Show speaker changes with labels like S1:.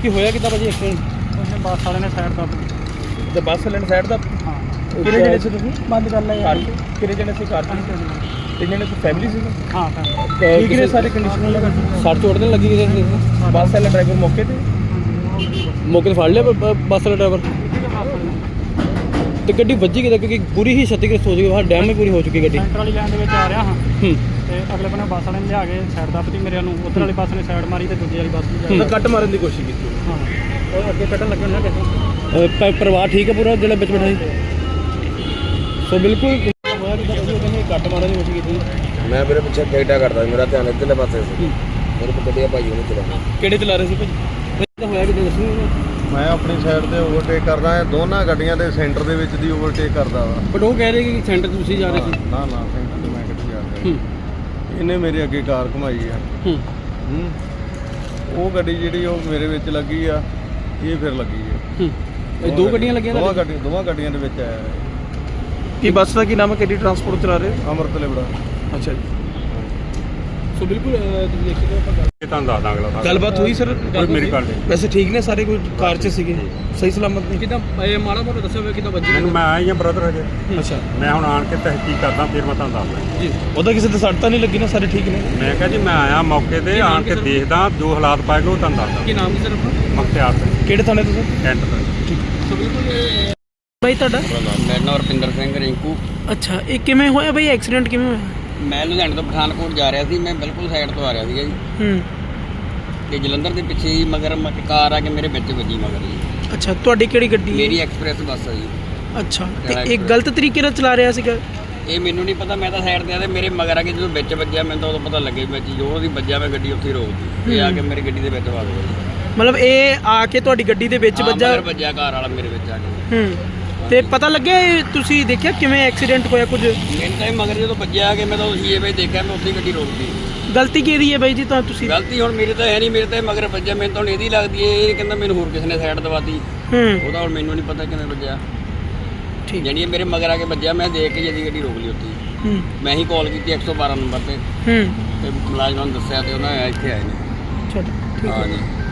S1: ਕੀ ਹੋਇਆ ਕਿੱਦਾਂ ਭਾਜੀ ਐਕਸੀਡੈਂਟ?
S2: उसने बस वाले ने साइड कर दी।
S1: ਤੇ ਬੱਸ ਲੈਣ ਸਾਈਡ ਦਾ
S2: हाँ
S1: ਕਿੰਨੇ ਜਣੇ ਸੀ ਤੁਸੀਂ?
S2: बंद कर लिया
S1: ਕਾਰ 'ਚ? ਕਿੰਨੇ ਜਣੇ ਸੀ ਕਾਰ 'ਚ? ਤਿੰਨ ਜਣੇ ਸੀ, ਫੈਮਿਲੀ ਸੀ?
S2: हाँ
S1: ਠੀਕ ਨੇ ਸਾਰੇ ਕੰਡੀਸ਼ਨ? ਸੱਟ ਚੋਟ ਤਾਂ ਲੱਗੀ ਕਿਸੇ ਦੇ? ਬੱਸ ਵਾਲਾ ਡਰਾਈਵਰ ਮੌਕੇ ਤੇ ਮੌਕੇ ਤੇ ਫੜ ਲਿਆ ਬੱਸ ਵਾਲਾ ਡਰਾਈਵਰ? ਤੇ ਗੱਡੀ ਵੱਜੀ ਕਿੱਦਾਂ? ਕਿਉਂਕਿ ਪੂਰੀ ਹੀ ਛਤੀਗ੍ਰਸਤ ਹੋ ਚੁੱਕੀ ਬਾਹਰ ਡੈਮ ਵੀ ਪੂਰੀ ਹੋ ਚੁੱਕੀ ਗੱਡੀ।
S2: सेंटर वाली लाइन आ रहा हाँ
S1: ਹੂੰ
S2: ਤੇ ਅਗਲੇ ਬੰਨੇ ਬੱਸ ਵਾਲੇ ਨੇ ਲਿਆ ਕੇ ਸਾਈਡ ਦੱਬਤੀ ਮੇਰੇ ਨੂੰ, ਉਧਰ ਵਾਲੀ ਬੱਸ ਨੇ ਸਾਈਡ ਮਾਰੀ ਤੇ ਦੂਜੀ ਵਾਲੀ ਬੱਸ ਵੀ
S1: ਤਾਂ ਕੱਟ ਮਾਰਨ ਦੀ ਕੋਸ਼ਿਸ਼ ਕੀਤੀ?
S2: ਹਾਂ ਉਹ ਅੱਗੇ ਕੱਢਣ ਲੱਗੇ ਨਾ ਕਿਸੇ
S1: ਪਰਿਵਾਰ ਠੀਕ ਹੈ ਪੂਰਾ ਜਿਹੜਾ ਵਿੱਚ ਬੈਠਾ ਸੀ? ਸੋ ਬਿਲਕੁਲ ਹੋਇਆ ਕਿ ਕਹਿੰਦੇ ਕੱਟ ਮਾਰਨ ਦੀ ਕੋਸ਼ਿਸ਼ ਕੀਤੀ।
S3: ਮੈਂ ਮੇਰੇ ਪਿੱਛੇ ਟਿਕਟਾ ਕਰਦਾ ਮੇਰਾ ਧਿਆਨ ਇੱਧਰਲੇ ਪਾਸੇ ਸੀ ਮੇਰੇ ਕੋਲ ਗੱਡੀਆਂ ਭਾਈ ਉਹਨੇ ਚਲਾਉਣਾ
S1: ਕਿਹੜੇ ਚਲਾ ਰਹੇ ਸੀ ਭਾਜੀ? ਤਾਂ ਹੋਇਆ ਕਿ ਦੱਸੋ।
S4: ਮੈਂ ਆਪਣੀ ਸਾਈਡ ਤੇ ਓਵਰਟੇਕ ਕਰਦਾ ਹਾਂ, ਦੋਨਾਂ ਗੱਡੀਆਂ ਦੇ ਸੈਂਟਰ ਦੇ ਵਿੱਚ ਦੀ ਓਵਰਟੇਕ ਕਰਦਾ ਵਾ।
S1: ਬਟ ਉਹ ਕਹਿ ਰਹੇ ਕਿ ਸੈਂਟਰ ਤੁਸੀਂ ਜਾ ਰਹੇ ਸੀ।
S4: ਨਾ ਨਾ ਸੈਂਟਰ ਤੇ ਮੈਂ ਕਿੱਥੇ ਜਾ ਰਿਹਾ।
S1: ਹੂੰ
S4: ਇਹਨੇ ਮੇਰੇ ਅੱਗੇ ਕਾਰ ਘੁਮਾਈ ਆ।
S1: ਹੂੰ
S4: ਉਹ ਗੱਡੀ ਜਿਹੜੀ ਉਹ ਮੇਰੇ ਵਿੱਚ ਲੱਗੀ ਆ, ਇਹ ਫਿਰ ਲੱਗੀ ਆ।
S1: ਹੂੰ ਇਹ ਦੋ ਗੱਡੀਆਂ ਲੱਗੀਆਂ
S4: ਦੋਵਾਂ ਗੱਡੀਆਂ ਦੇ ਵਿੱਚ ਆਇਆ
S1: ਕੀ ਬੱਸ ਦਾ ਕੀ ਨਾਮ ਹੈ? ਕਿਹੜੀ ਟਰਾਂਸਪੋਰਟ ਚਲਾ ਰਹੇ?
S4: ਅੰਮ੍ਰਿਤ ਲਿਬੜਾ।
S1: ਅੱਛਾ ਜੀ। ਸੋ ਬਿਲਕੁਲ ਤੁਸੀਂ ਦੇਖ ਸਕਦੇ ਹੋ
S5: ਇਹ ਤੁਹਾਨੂੰ ਦੱਸ ਦਾਂ ਅਗਲਾ
S1: ਗੱਲਬਾਤ ਹੋਈ ਸਰ?
S5: ਮੇਰੀ ਗੱਲ ਨਹੀਂ।
S1: ਵੈਸੇ ਠੀਕ ਨੇ ਸਾਰੇ? ਕੋਈ ਕਾਰ 'ਚ ਸੀਗੇ ਸਹੀ ਸਲਾਮਤ ਨੇ? ਕਿਦਾਂ ਇਹ ਮਾੜਾ ਮੋਟਾ ਦੱਸਿਆ ਹੋਇਆ ਕਿਦਾਂ ਵੱਜੀ?
S5: ਮੈਨੂੰ ਮੈਂ ਆਇਆ ਹੀ ਆ ਬ੍ਰਦਰ ਹਜੇ,
S1: ਅੱਛਾ
S5: ਮੈਂ ਹੁਣ ਆਣ ਕੇ ਤਹਿਕੀਕ ਕਰਦਾ ਫਿਰ ਮੈਂ ਤੁਹਾਨੂੰ ਦੱਸਦਾ
S1: ਜੀ। ਉਹਦਾ ਕਿਸੇ ਤੇ ਸੱਟ ਤਾਂ ਨਹੀਂ ਲੱਗੀ ਨਾ? ਸਾਰੇ ਠੀਕ ਨੇ?
S5: ਮੈਂ ਕਿਹਾ ਜੀ ਮੈਂ ਆਇਆ ਮੌਕੇ ਤੇ ਆਣ ਕੇ ਦੇਖਦਾ ਜੋ ਹਾਲਾਤ ਪਾਏਗਾ ਉਹ ਤੁਹਾਨੂੰ ਦੱਸਦਾ।
S1: ਕੀ ਨਾਮ ਕੀ ਸਰ ਆਪਣਾ?
S5: ਮਖਤਿਆਰ ਸਿੰਘ
S1: ਕਿਹੜੇ ਥਾਣੇ ਤੋਂ ਸਰ?
S5: ਕੈਂਟ ਦਾ।
S1: ਸੋ ਬਿਲਕੁਲ ਭਾਈ ਤੁਹਾਡਾ?
S3: ਮੇਰਾ ਨਾਮ ਰੁਪਿੰਦਰ ਸਿੰਘ ਰਿੰਕੂ।
S1: ਅੱਛਾ ਇਹ ਕਿਵੇਂ ਹੋਇਆ ਭਾਈ ਐਕਸੀਡੈਂਟ ਕਿਵੇਂ ਹੋਇਆ?
S3: ਮੈਂ ਲੁਧਿਆਣੇ ਤੋਂ ਪਠਾਨਕੋਟ ਜਾ ਰਿਹਾ ਸੀ, ਮੈਂ ਬਿਲਕੁਲ ਸਾਈਡ ਤੋਂ ਆ ਰਿਹਾ ਸੀਗਾ ਜੀ
S1: ਹੂੰ
S3: ਤੇ ਜਲੰਧਰ ਦੇ ਪਿੱਛੇ ਹੀ ਮਗਰ ਕਾਰ ਆ ਕੇ ਮੇਰੇ ਵਿੱਚ ਵੱਜੀ ਮਗਰ ਜੀ।
S1: ਅੱਛਾ ਤੁਹਾਡੀ ਕਿਹੜੀ ਗੱਡੀ?
S3: ਮੇਰੀ ਐਕਸਪ੍ਰੈਸ ਬੱਸ ਆ ਜੀ।
S1: ਅੱਛਾ ਤੇ ਇਹ ਗਲਤ ਤਰੀਕੇ ਨਾਲ ਚਲਾ ਰਿਹਾ ਸੀਗਾ?
S3: ਇਹ ਮੈਨੂੰ ਨਹੀਂ ਪਤਾ, ਮੈਂ ਤਾਂ ਸਾਈਡ ਤੇ ਆ ਤੇ ਮੇਰੇ ਮਗਰ ਆ ਕੇ ਜਦੋਂ ਵਿੱਚ ਵੱਜਿਆ ਮੈਨੂੰ ਤਾਂ ਉਦੋਂ ਪਤਾ ਲੱਗੇ ਵਿੱਚ ਜੋ ਉਹਦੀ ਵੱਜਿਆ ਮੈਂ ਗੱਡੀ ਉੱਥੇ ਹੀ ਰੋਕਦੀ। ਇਹ ਆ ਕੇ ਮੇਰੀ ਗੱਡੀ ਦੇ ਵਿੱਚ ਵੱਜ ਗਿਆ ਜੀ।
S1: ਮਤਲਬ ਇਹ ਆ ਕੇ ਤੁਹਾਡੀ ਗੱਡੀ ਦੇ ਵਿੱਚ ਵੱਜਾ?
S3: ਮਗਰ ਵੱਜਿਆ ਕਾਰ ਵਾਲਾ ਮੇਰੇ ਵਿੱਚ ਆ ਕੇ।
S1: ਹੂੰ ਤੇ ਪਤਾ ਲੱਗਿਆ ਤੁਸੀਂ ਦੇਖਿਆ ਕਿਵੇਂ ਐਕਸੀਡੈਂਟ ਹੋਇਆ ਕੁਝ?
S3: ਮੈਨੂੰ ਤਾਂ ਇਹ ਮਗਰ ਜਦੋਂ ਵੱਜਿਆ ਆ ਕੇ ਮੈਂ ਤਾਂ ਉਸੇ ਵੇ ਦੇਖਿਆ, ਮੈਂ ਉੱਥੇ ਹੀ ਗੱਡੀ ਰੋਕਦੀ।
S1: ਗਲਤੀ ਕਿਹਦੀ ਹੈ ਬਾਈ ਜੀ? ਤਾਂ ਤੁਸੀਂ
S3: ਗਲਤੀ ਹੁਣ ਮੇਰੇ ਤਾਂ ਹੈ ਨਹੀਂ, ਮੇਰੇ ਤਾਂ ਇਹ ਮਗਰ ਵੱਜਿਆ, ਮੈਨੂੰ ਤਾਂ ਹੁਣ ਇਹਦੀ ਲੱਗਦੀ ਹੈ। ਇਹ ਕਹਿੰਦਾ ਮੈਨੂੰ ਹੋਰ ਕਿਸੇ ਨੇ ਸਾਈਡ ਦਵਾਤੀ।
S1: ਹੂੰ
S3: ਉਹਦਾ ਹੁਣ ਮੈਨੂੰ ਨਹੀਂ ਪਤਾ ਕਿਵੇਂ ਵੱਜਿਆ।
S1: ਠੀਕ।
S3: ਜਾਣੀ ਇਹ ਮੇਰੇ ਮਗਰ ਆ ਕੇ ਵੱਜਿਆ, ਮੈਂ ਦੇਖ ਕੇ ਜਦੀ ਗੱਡੀ ਰੋਕ ਲਈ ਉੱਥੇ ਹੀ।
S1: ਹੂੰ
S3: ਮੈਂ ਹੀ ਕਾਲ ਕੀਤੀ 112 ਨੰਬਰ ਤੇ
S1: ਹੂੰ
S3: ਤੇ ਮੁਲਾਜ਼ਮਾਂ ਨੂੰ ਦੱਸਿਆ ਤੇ ਉਹਨਾਂ ਇੱਥੇ ਆਏ ਨੇ।
S1: ਚਲੋ ਠੀਕ ਹੈ।
S3: ਹਾਂ ਜੀ।